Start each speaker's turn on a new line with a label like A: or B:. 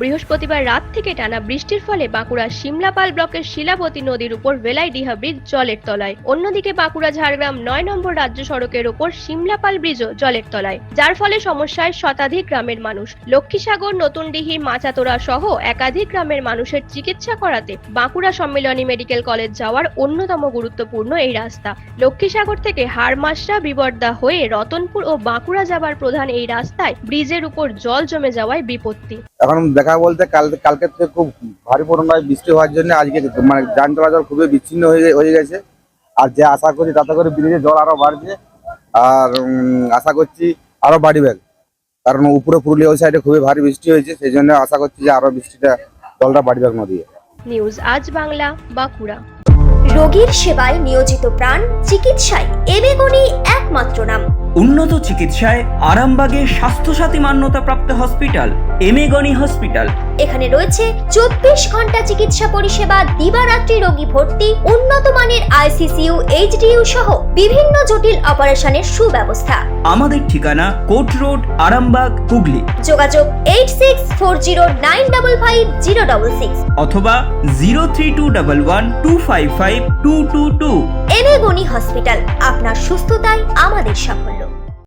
A: বৃহস্পতিবার রাত থেকে টানা বৃষ্টির ফলে বাঁকুড়ার শিমলাপাল ব্লকের শিলাবতী নদীর উপর ভেলাইডিহা ব্রিজ জলের তলায়। অন্যদিকে বাঁকুড়া ঝাড়গ্রাম 9 নম্বর রাজ্য সড়কের ওপর শিমলাপাল ব্রিজও জলের তলায়, যার ফলে সমস্যায় শতাধিক গ্রামের মানুষ। লক্ষ্মীসাগর, নতুনডিহি, মাচাতোরা সহ একাধিক গ্রামের মানুষের চিকিৎসা করাতে বাঁকুড়া সম্মিলনী মেডিকেল কলেজ যাওয়ার অন্যতম গুরুত্বপূর্ণ এই রাস্তা। লক্ষ্মীসাগর থেকে হাড়মাসরা, বিবর্দা হয়ে রতনপুর ও বাঁকুড়া যাবার প্রধান এই রাস্তায় ব্রিজের উপর জল জমে যাওয়ায় বিপত্তি।
B: এখন দেখা বলতে কালকে থেকে খুব ভারী পরিমাণে বৃষ্টি হওয়ার জন্য আজকে মানে যান চলাচল খুবই বিচ্ছিন্ন হয়ে গেছে। আর যে আশা করছি তাতে করে ব্রিজে জল আরো বাড়ছে, আর আশা করছি আরো বাড়বে, কারণ উপরে পুরুলিয়া ওই সাইডে খুবই ভারী বৃষ্টি হয়েছে, সেই জন্য আশা করছি যে আরো জলটা বাড়বে নদী।
A: নিউজ আজ বাংলা, বাঁকুড়া।
C: রোগীর সেবায় নিয়োজিত প্রাণ, চিকিৎসায় এবেগুনি একমাত্র নাম।
D: উন্নত চিকিৎসায় আরামবাগে স্বাস্থ্যসাথী মান্যতাপ্রাপ্ত হসপিটাল এমেগনি হসপিটাল।
C: এখানে রয়েছে 24 ঘন্টা চিকিৎসা পরিষেবা, দিবারাত্রি রোগী ভর্তি, উন্নত মানের আইসিসিইউ, এইচডিইউ সহ বিভিন্ন জটিল অপারেশনের সুব্যবস্থা।
D: আমাদের ঠিকানা কোট রোড, আরামবাগ, হুগলি।
C: যোগাযোগ 8640955066
D: অথবা 032112552222।
C: এবেগুনি হসপিটাল, আপনার সুস্থতাই আমাদের সাফল্য।